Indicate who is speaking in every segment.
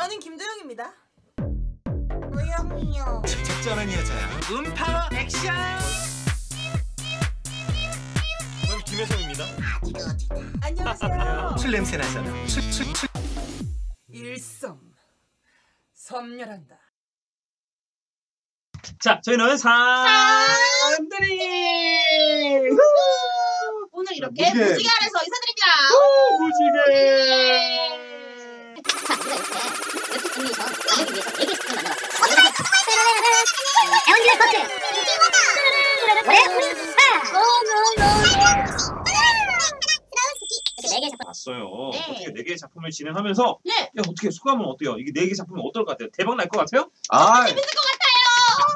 Speaker 1: 저는 김도영입니다.
Speaker 2: 도영이요.
Speaker 3: 적절한 여자야. 음파 액션.
Speaker 4: 저는 김혜성입니다.
Speaker 1: 안녕하세요.
Speaker 3: 술 냄새 나잖아. 술.
Speaker 1: 일성 섬멸한다.
Speaker 4: 자, 저희는 산들이
Speaker 2: 오늘 이렇게 무지개 아래서 인사드립니다.
Speaker 4: 봤어요.
Speaker 2: 네.
Speaker 4: 어떻게 4개의 작품을 진행하면서
Speaker 2: 네.
Speaker 4: 야, 어떻게 소감은 어때요? 이게 4개 작품은 어떨 것 같아요? 대박 날 것 같아요?
Speaker 2: 재밌을 것 같아요.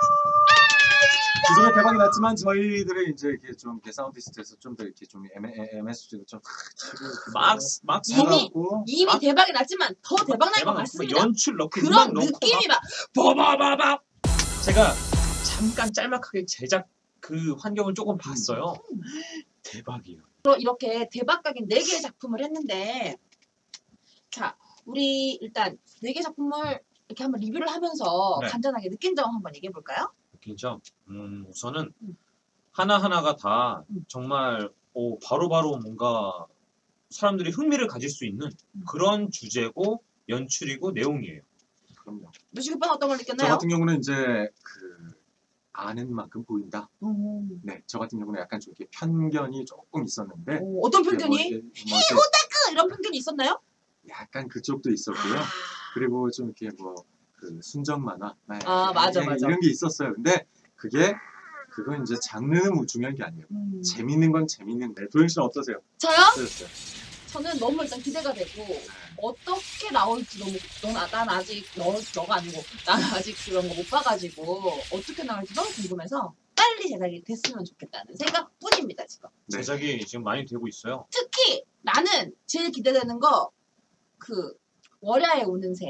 Speaker 5: 기존에 대박이 났지만 저희들의 이제 이렇게 좀 이렇게 사운디스트에서 좀 더 이렇게 좀 MSG도 좀 치고
Speaker 4: 막
Speaker 2: 이미 대박이 났지만 더 대박 날 것 같습니다.
Speaker 4: 연출 넣고
Speaker 2: 그런
Speaker 4: 음악 넣고
Speaker 2: 느낌이 막
Speaker 4: 바바바바. 제가 잠깐 짤막하게 제작 그 환경을 조금 봤어요. 대박이에요.
Speaker 2: 이렇게 대박각인 4개의 작품을 했는데, 자, 우리 일단 4개 작품을 이렇게 한번 리뷰를 하면서
Speaker 4: 네.
Speaker 2: 간단하게 느낀 점 한번 얘기해 볼까요?
Speaker 4: 그죠? 우선은 하나하나가 다 정말 바로바로 뭔가 사람들이 흥미를 가질 수 있는 그런 주제고 연출이고 내용이에요.
Speaker 5: 그럼요.
Speaker 2: 무식 오빠는 어떤 걸
Speaker 5: 저
Speaker 2: 느꼈나요?
Speaker 5: 같은 경우는 이제 그 아는 만큼 보인다. 네, 저 같은 경우는 약간 좀 이렇게 편견이 조금 있었는데
Speaker 2: 어떤
Speaker 5: 뭐
Speaker 2: 편견이?
Speaker 5: 이렇게
Speaker 2: 이런 편견이 있었나요?
Speaker 5: 약간 그쪽도 있었고요. 그리고 좀 이렇게 뭐 그 순정 만화,
Speaker 2: 맞아.
Speaker 5: 이런 게 있었어요. 근데 그건 이제 장르는 중요한 게 아니에요. 재밌는 건 재밌는데. 도영 씨는 어떠세요?
Speaker 2: 저요?
Speaker 5: 어떠셨어요?
Speaker 2: 저는 너무 일단 기대가 되고 어떻게 나올지 난 아직 너가 아니고 난 아직 그런 거 못 봐가지고 어떻게 나올지 너무 궁금해서 빨리 제작이 됐으면 좋겠다는 생각뿐입니다 지금.
Speaker 5: 네.
Speaker 4: 제작이 지금 많이 되고 있어요.
Speaker 2: 특히 나는 제일 기대되는 거 그 월야에 오는 새.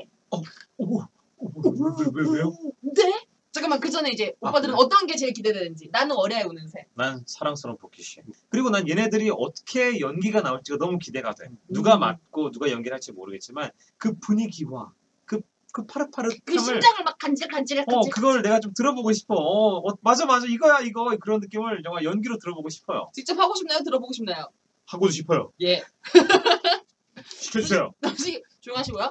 Speaker 4: 왜요?
Speaker 2: 네? 잠깐만 그 전에 이제 오빠들은
Speaker 5: 그래?
Speaker 2: 어떤 게 제일 기대되는지. 나는 월야에 오는 새.
Speaker 4: 난 사랑스러운 복귀씨. 그리고 난 얘네들이 어떻게 연기가 나올지가 너무 기대가 돼. 누가 맡고 누가 연기를 할지 모르겠지만 그 분위기와 그 파릇파릇함을
Speaker 2: 그 심장을 막 간질간질
Speaker 4: 그걸 내가 좀 들어보고 싶어. 맞아 이거야 이거 그런 느낌을 정말 연기로 들어보고 싶어요.
Speaker 2: 직접 하고 싶나요? 들어보고 싶나요?
Speaker 4: 하고도 싶어요.
Speaker 2: 예.
Speaker 4: 시켜주세요.
Speaker 2: 남식 조용하시고요.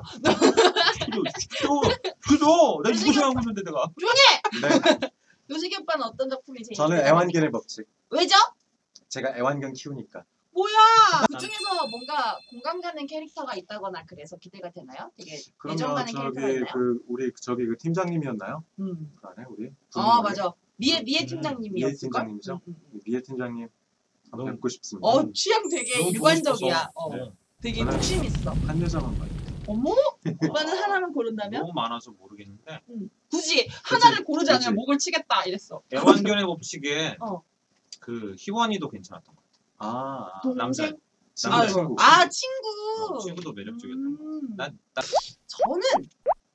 Speaker 4: 시켜줘. 나 이거 생각하고 있는데 내가.
Speaker 2: 조용해!
Speaker 5: 네.
Speaker 2: 요식이 오빠는 어떤 작품이 제일
Speaker 5: 저는
Speaker 2: 기대되는지?
Speaker 5: 애완견의 법칙.
Speaker 2: 왜죠?
Speaker 5: 제가 애완견 키우니까.
Speaker 2: 뭐야! 그 중에서 뭔가 공감 가는 캐릭터가 있다거나 그래서 기대가 되나요? 되게 애정
Speaker 5: 그럼요.
Speaker 2: 가는 캐릭터가
Speaker 5: 저기
Speaker 2: 있나요?
Speaker 5: 그 팀장님이었나요? 그 안에 우리.
Speaker 2: 맞아. 미애 팀장님이었을걸?
Speaker 5: 미애 팀장님이죠? 미애 팀장님 한번 뵙고 싶습니다.
Speaker 2: 취향 되게
Speaker 4: 너무 보고
Speaker 2: 일관적이야.
Speaker 4: 싶어서. 네.
Speaker 2: 되게
Speaker 5: 저는
Speaker 2: 욕심 있어.
Speaker 5: 한 여자만 봐요.
Speaker 2: 어머? 오빠는 하나만 고른다면?
Speaker 4: 너무 많아서 모르겠는데
Speaker 2: 굳이 하나를 고르지 않으면
Speaker 5: 그치.
Speaker 2: 목을 치겠다 이랬어.
Speaker 4: 애완견의 법칙에
Speaker 2: 어.
Speaker 4: 그 희원이도 괜찮았던 것 같아.
Speaker 2: 동생?
Speaker 4: 남자
Speaker 5: 친구.
Speaker 2: 친구!
Speaker 4: 친구도 매력적이었던 것 같아.
Speaker 2: 저는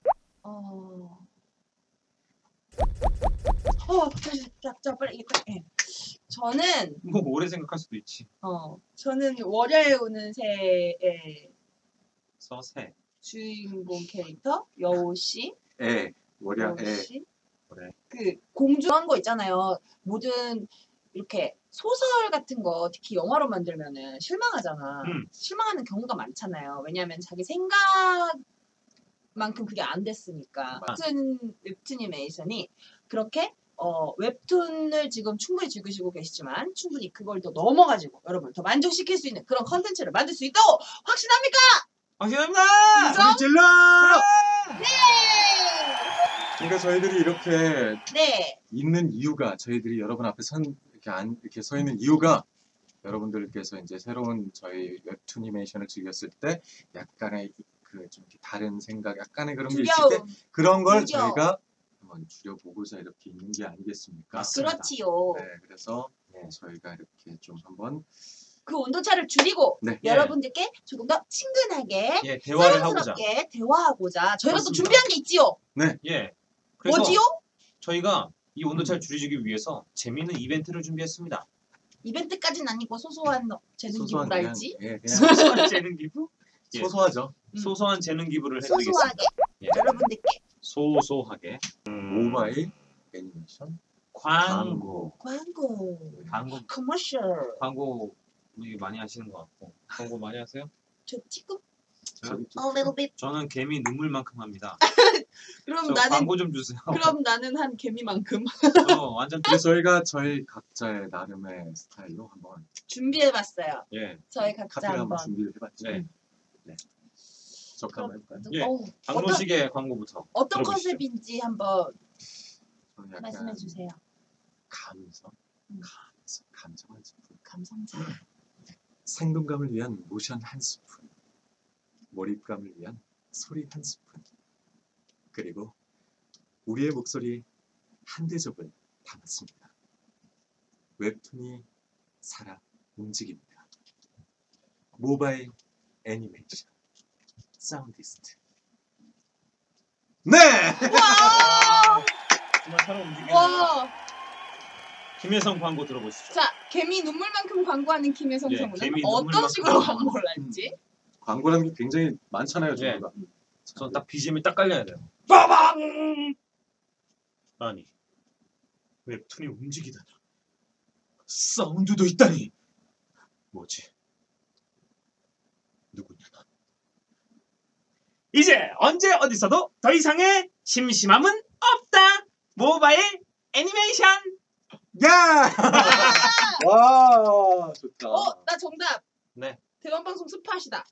Speaker 2: 자 빨리 이거 예. 저는
Speaker 4: 뭐 오래 생각할 수도 있지.
Speaker 2: 저는 월야에 오는 새의
Speaker 4: 서세.
Speaker 2: 주인공 캐릭터 여우 씨,
Speaker 5: 월야
Speaker 2: 여우 씨,
Speaker 4: 그래.
Speaker 2: 그 공주한 거 있잖아요. 모든 이렇게 소설 같은 거 특히 영화로 만들면은 실망하잖아. 실망하는 경우가 많잖아요. 왜냐하면 자기 생각만큼 그게 안 됐으니까. 같은 웹툰이메이션이 그렇게 웹툰을 지금 충분히 즐기시고 계시지만 충분히 그걸 더 넘어가지고 여러분 더 만족시킬 수 있는 그런 컨텐츠를 만들 수 있다고 확신합니까?
Speaker 4: 감사합니다.
Speaker 2: 인정?
Speaker 5: 우리 질러!
Speaker 2: 네!
Speaker 5: 그러니까 저희들이 이렇게
Speaker 2: 네.
Speaker 5: 있는 이유가 저희들이 여러분 앞에 이렇게 서 있는 이유가 여러분들께서 이제 새로운 저희 웹툰이메이션을 즐겼을 때 약간의 그 좀 다른 생각, 약간의 그런 게 있을 때 그런 걸 저희가 한번 줄여보고자 이렇게 있는 게 아니겠습니까?
Speaker 4: 맞습니다.
Speaker 2: 그렇지요.
Speaker 5: 네, 그래서 저희가 이렇게 좀 한번
Speaker 2: 그 온도차를 줄이고
Speaker 5: 네.
Speaker 2: 여러분들께 조금 더 친근하게
Speaker 4: 대화를 하고자.
Speaker 2: 사랑스럽게 대화하고자 저희가 또
Speaker 4: 맞습니다.
Speaker 2: 준비한 게 있지요.
Speaker 4: 예. 그래서
Speaker 2: 뭐지요?
Speaker 4: 저희가 이 온도차를 줄이기 위해서 재미있는 이벤트를 준비했습니다.
Speaker 2: 이벤트까지는 아니고 소소한 재능
Speaker 5: 소소한
Speaker 2: 기부랄지.
Speaker 5: 그냥
Speaker 4: 소소한 재능 기부? 예.
Speaker 5: 소소하죠.
Speaker 4: 소소한 재능 기부를
Speaker 2: 소소하게.
Speaker 4: 해드리겠습니다. 예.
Speaker 2: 여러분들께
Speaker 4: 소소하게
Speaker 5: 모바일 애니메이션
Speaker 4: 광고
Speaker 2: 광고, 커머셜.
Speaker 4: 광고 많이 하시는 것 같고 광고 많이 하세요?
Speaker 2: 저 지금
Speaker 4: 저요?
Speaker 2: a little bit.
Speaker 4: 저는 개미 눈물만큼 합니다.
Speaker 2: 그럼
Speaker 4: 저
Speaker 2: 나는
Speaker 4: 광고 좀 주세요.
Speaker 2: 그럼 나는 한 개미만큼
Speaker 4: 저 완전
Speaker 5: 그래서 저희가 저희 각자의 나름의 스타일로 한번
Speaker 2: 준비해봤어요.
Speaker 4: 예
Speaker 2: 저희 각자
Speaker 5: 카페를 한번
Speaker 2: 한번.
Speaker 5: 준비를 해봤죠.
Speaker 4: 네.
Speaker 5: 적합 한번 해볼까요?
Speaker 4: 예.
Speaker 2: 어떤
Speaker 4: 박노식의 광고부터
Speaker 2: 어떤
Speaker 4: 들어보시죠.
Speaker 2: 컨셉인지 한번
Speaker 5: 저는 약간
Speaker 2: 말씀해 주세요.
Speaker 5: 감성,
Speaker 2: 음.
Speaker 5: 감성 한 스푼,
Speaker 2: 감성자.
Speaker 5: 생동감을 위한 모션 한 스푼, 몰입감을 위한 소리 한 스푼, 그리고 우리의 목소리 한 대접을 담았습니다. 웹툰이 살아 움직입니다. 모바일 애니메이션 사운디스트. 네!
Speaker 4: 정말 사람 움직이는
Speaker 2: 와,
Speaker 4: 김혜성 광고 들어보시죠.
Speaker 2: 자 개미 눈물만큼 광고하는 김혜성
Speaker 4: 예,
Speaker 2: 성우는
Speaker 4: 개미
Speaker 2: 어떤
Speaker 4: 눈물만큼
Speaker 2: 식으로 광고를 할지.
Speaker 5: 광고라는 게 굉장히 많잖아요,
Speaker 4: 예.
Speaker 5: 저희가.
Speaker 4: 저는 딱 BGM이 딱 깔려야 돼요. 빠방! 아니 웹툰이 움직이다니 사운드도 있다니 뭐지? 누구냐 넌? 이제 언제 어디서도 더 이상의 심심함은 없다. 모바일 애니메이션.
Speaker 5: 야! 와, 좋다.
Speaker 2: 나 정답.
Speaker 4: 네.
Speaker 2: 대원방송 스팟이다.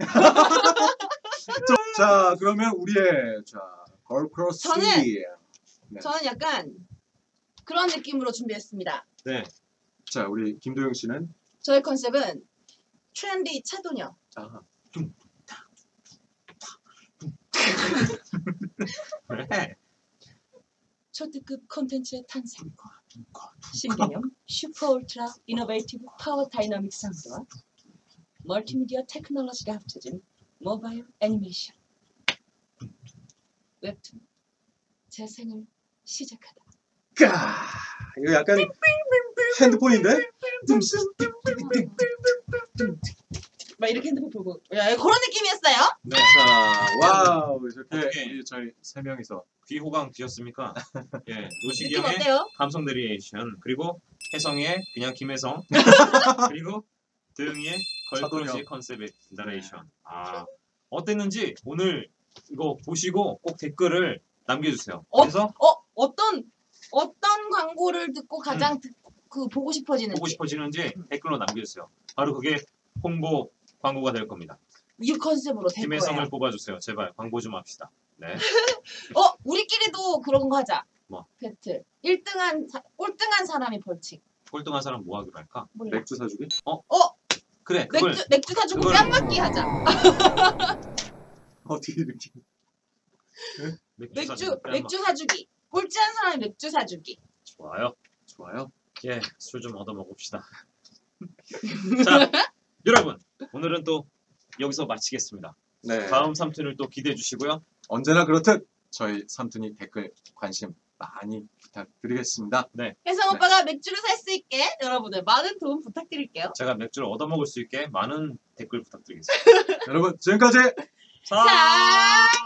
Speaker 5: 자, 그러면 우리의 걸크로스. 네.
Speaker 2: 저는 약간 그런 느낌으로 준비했습니다.
Speaker 4: 네.
Speaker 5: 자, 우리 김도영 씨는
Speaker 2: 저의 컨셉은 트렌디 차도녀.
Speaker 5: 아,
Speaker 4: 네.
Speaker 2: 초특급 콘텐츠의 탄생. 신개념 슈퍼 울트라 이노베이티브 파워 다이나믹 사운드와 멀티미디어 테크놀로지가 합쳐진 모바일 애니메이션. 웹툰 재생을 시작하다.
Speaker 5: 까! 이거 약간 핸드폰인데?
Speaker 2: 막 이렇게 핸드폰 보고 야, 그런 느낌이었어요.
Speaker 4: 네.
Speaker 5: 자, 와우, 이렇게
Speaker 4: 어떻게?
Speaker 5: 우리 저희 세 명이서
Speaker 4: 귀호강 뒤였습니까? 예. 노식이
Speaker 2: 느낌
Speaker 4: 형의
Speaker 2: 어때요?
Speaker 4: 감성 내리에이션 그리고 혜성의 그냥 김혜성 그리고 도영이의 걸크러시
Speaker 5: 차도녀.
Speaker 4: 컨셉의 나레이션. 아 어땠는지 오늘 이거 보시고 꼭 댓글을 남겨주세요. 그래서
Speaker 2: 어떤 광고를 듣고 가장 보고 싶어지는지.
Speaker 4: 보고 싶어지는지 댓글로 남겨주세요. 바로 그게 홍보 광고가 될 겁니다.
Speaker 2: 이 컨셉으로 될
Speaker 4: 김혜성을
Speaker 2: 거예요.
Speaker 4: 뽑아주세요. 제발 광고 좀 합시다. 네.
Speaker 2: 우리끼리도 그런 거 하자.
Speaker 4: 뭐?
Speaker 2: 배틀. 꼴등한 사람이 벌칙.
Speaker 4: 꼴등한 사람 뭐 하기로 할까?
Speaker 2: 몰라.
Speaker 5: 맥주 사주기?
Speaker 4: 그래 그걸
Speaker 2: 맥주 사주고
Speaker 4: 그걸-
Speaker 2: 뺨 맞기 하자.
Speaker 5: 어떻게 이렇게.
Speaker 2: 맥주 사주기. 꼴찌한 사람이 맥주 사주기.
Speaker 4: 좋아요.
Speaker 5: 좋아요.
Speaker 4: 예, 술 좀 얻어 먹읍시다. 자, 여러분 오늘은 또 여기서 마치겠습니다.
Speaker 5: 네.
Speaker 4: 다음 3튼을 또 기대해 주시고요.
Speaker 5: 언제나 그렇듯 저희 삼촌이 댓글 관심 많이 부탁드리겠습니다.
Speaker 2: 혜성 오빠가 맥주를 살 수 있게 여러분들 많은 도움 부탁드릴게요.
Speaker 4: 제가 맥주를 얻어 먹을 수 있게 많은 댓글 부탁드리겠습니다.
Speaker 5: 여러분, 지금까지
Speaker 2: 자.